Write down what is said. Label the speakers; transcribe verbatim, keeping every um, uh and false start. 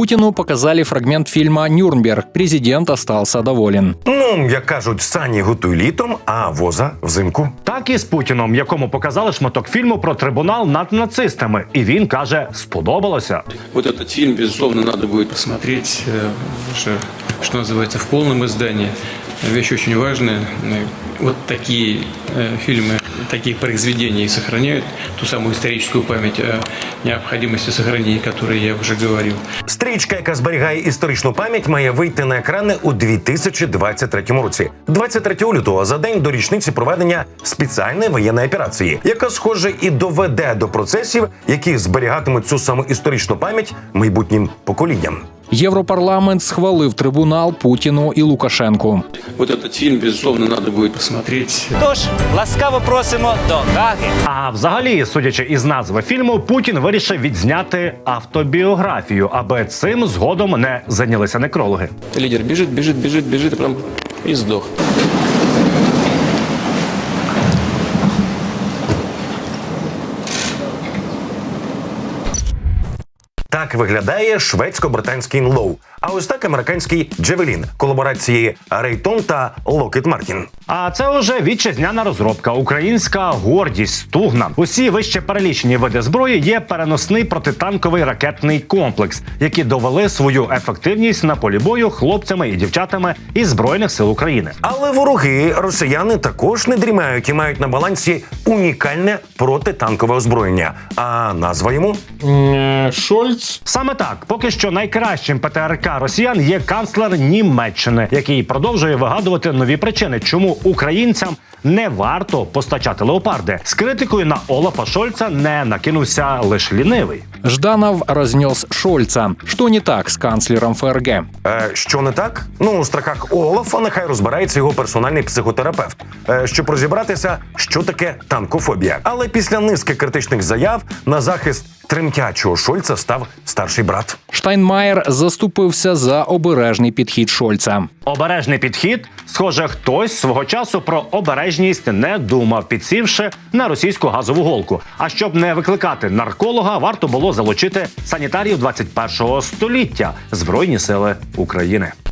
Speaker 1: Путину показали фрагмент фильма «Нюрнберг». Президент остался доволен.
Speaker 2: Ну, як кажуть, сані готуй літом, а воза взимку.
Speaker 3: Так і з Путіном, якому показали шматок фільму про трибунал над нацистами. І він каже, сподобалося.
Speaker 4: Вот этот фильм, безусловно, надо будет посмотреть, что, что называется, в полном издании. Вещь очень важная. Вот такие фильмы, такие произведения сохраняют ту самую историческую память о необходимости сохранения, о которой я уже говорил.
Speaker 2: Стрічка, яка зберігає історичну пам'ять, має вийти на екрани у дві тисячі двадцять третьому році. двадцять третього лютого, за день до річниці проведення спеціальної воєнної операції, яка, схоже, і доведе до процесів, які зберігатимуть цю саму історичну пам'ять майбутнім поколінням.
Speaker 1: Європарламент схвалив трибунал Путіну і Лукашенку.
Speaker 4: Вот этот фильм, безусловно, надо будет посмотреть.
Speaker 5: Тож, ласкаво просимо до Гаги.
Speaker 3: А взагалі, судячи із назви фільму, Путін вирішив відзняти автобіографію, аби цим згодом не зайнялися некрологи.
Speaker 4: Лидер бежит, бежит, бежит, бежит, и прям и сдох.
Speaker 2: Так виглядає шведсько-британський «Інлоу», а ось так американський «Джевелін» колаборації Рейтон та Локхід Мартін.
Speaker 3: А це уже вітчизняна розробка, українська гордість, стугна. Усі вище перелічені види зброї є переносний протитанковий ракетний комплекс, які довели свою ефективність на полі бою хлопцями і дівчатами із Збройних сил України.
Speaker 2: Але вороги росіяни також не дрімають і мають на балансі унікальне протитанкове озброєння. А назва йому?
Speaker 1: Шольц.
Speaker 3: Саме так, поки що найкращим ПТРК росіян є канцлер Німеччини, який продовжує вигадувати нові причини, чому українцям не варто постачати леопарди. З критикою на Олафа Шольца не накинувся лише лінивий.
Speaker 1: Жданов разнес Шольца. Что не так с канцлером ФРГ?
Speaker 2: Е, що не так? Ну, у страхах Олафа нехай розбирається його персональний психотерапевт, е, щоб розібратися, що таке танкофобія. Але після низки критичних заяв на захист тремтячого Шольца став старший брат.
Speaker 1: Штайнмаєр заступився за обережний підхід Шольца.
Speaker 3: Обережний підхід? Схоже, хтось свого часу про обережність не думав, підсівши на російську газову голку. А щоб не викликати нарколога, варто було залучити санітарів двадцять першого століття – Збройні сили України.